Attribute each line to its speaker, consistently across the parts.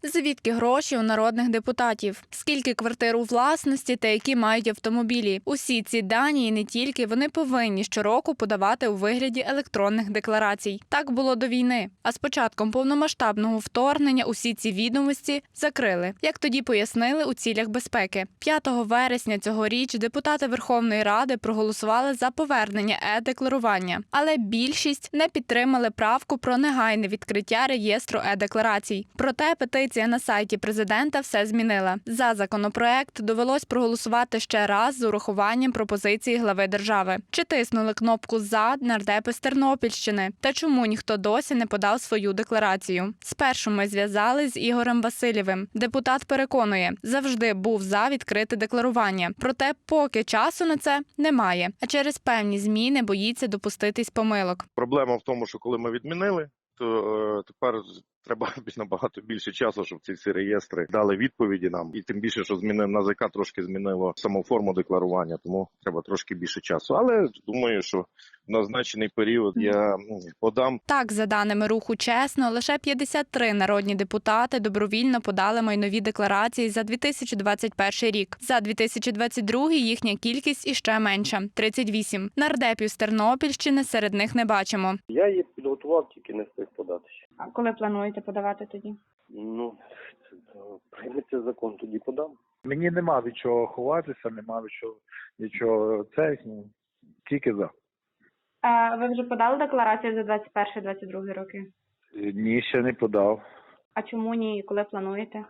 Speaker 1: Звідки гроші у народних депутатів? Скільки квартир у власності та які мають автомобілі? Усі ці дані і не тільки вони повинні щороку подавати у вигляді електронних декларацій. Так було до війни. А з початком повномасштабного вторгнення усі ці відомості закрили. Як тоді пояснили у цілях безпеки. 5 вересня цьогоріч депутати Верховної Ради проголосували за повернення е-декларування. Але більшість не підтримали правку про негайне відкриття реєстру е-декларацій. Проте петиція на сайті президента все змінила. За законопроект довелось проголосувати ще раз з урахуванням пропозиції глави держави. Чи тиснули кнопку «За» нардепи з Тернопільщини? Та чому ніхто досі не подав свою декларацію? Спершу ми зв'язались з Ігорем Васильєвим. Депутат переконує, завжди був за відкрите декларування. Проте поки часу на це немає. А через певні зміни боїться допуститись помилок.
Speaker 2: Проблема в тому, що коли ми відмінили, то тепер треба набагато більше часу, щоб ці всі реєстри дали відповіді нам. І тим більше, що НАЗК трошки змінило саму форму декларування, тому треба трошки більше часу. Але думаю, що в назначений період я подам.
Speaker 1: Так, за даними руху «Чесно», лише 53 народні депутати добровільно подали майнові декларації за 2021 рік. За 2022 їхня кількість іще менша – 38. Нардепів з Тернопільщини серед них не бачимо.
Speaker 3: Я її підготував, тільки не встиг подати ще.
Speaker 4: А коли плануєте подавати тоді?
Speaker 3: Прийметься закон, тоді подам.
Speaker 5: Мені нема від чого ховатися, нема від чого тільки за.
Speaker 4: А ви вже подали декларацію за 21-22 роки?
Speaker 5: Ні, ще не подав.
Speaker 4: А чому ні і коли плануєте?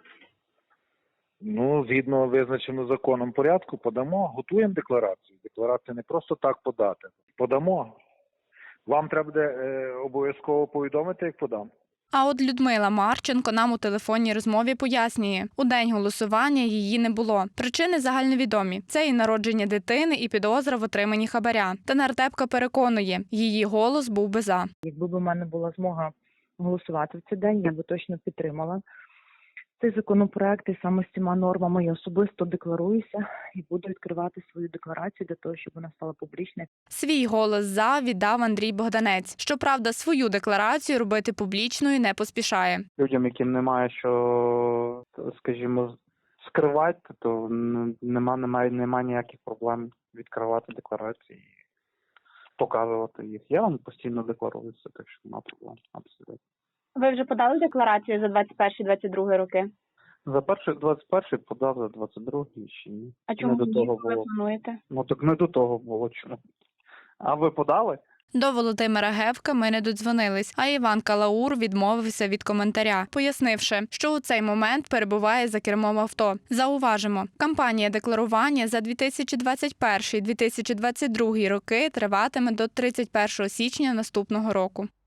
Speaker 5: Згідно визначеного законом порядку, подамо, готуємо декларацію. Декларацію не просто так подати. Подамо. Вам треба буде обов'язково повідомити, як подам.
Speaker 1: А от Людмила Марченко нам у телефонній розмові пояснює, у день голосування її не було. Причини загальновідомі. Це і народження дитини, і підозра в отриманні хабаря. Та нардепка переконує, її голос був би за.
Speaker 6: Якби в мене була змога голосувати в цей день, я би точно підтримала цей законопроект і саме з цими нормами я особисто декларуюся і буду відкривати свою декларацію для того, щоб вона стала публічною.
Speaker 1: Свій голос «за» віддав Андрій Богданець. Щоправда, свою декларацію робити публічною не поспішає.
Speaker 7: Людям, яким немає що, скажімо, скривати, то немає ніяких проблем відкривати декларації і показувати їх. Я вам постійно декларуюся, так що немає проблем абсолютно.
Speaker 4: Ви вже подали декларацію за 21-22 роки?
Speaker 7: За 21-й подав, за 22-й ще ні.
Speaker 4: А чому
Speaker 7: не до того
Speaker 4: ви
Speaker 7: було?
Speaker 4: плануєте?
Speaker 7: Так не до того було. Чому? А ви подали?
Speaker 1: До Володимира Гевка ми не додзвонились, а Іван Калаур відмовився від коментаря, пояснивши, що у цей момент перебуває за кермом авто. Зауважимо, кампанія декларування за 2021-2022 роки триватиме до 31 січня наступного року.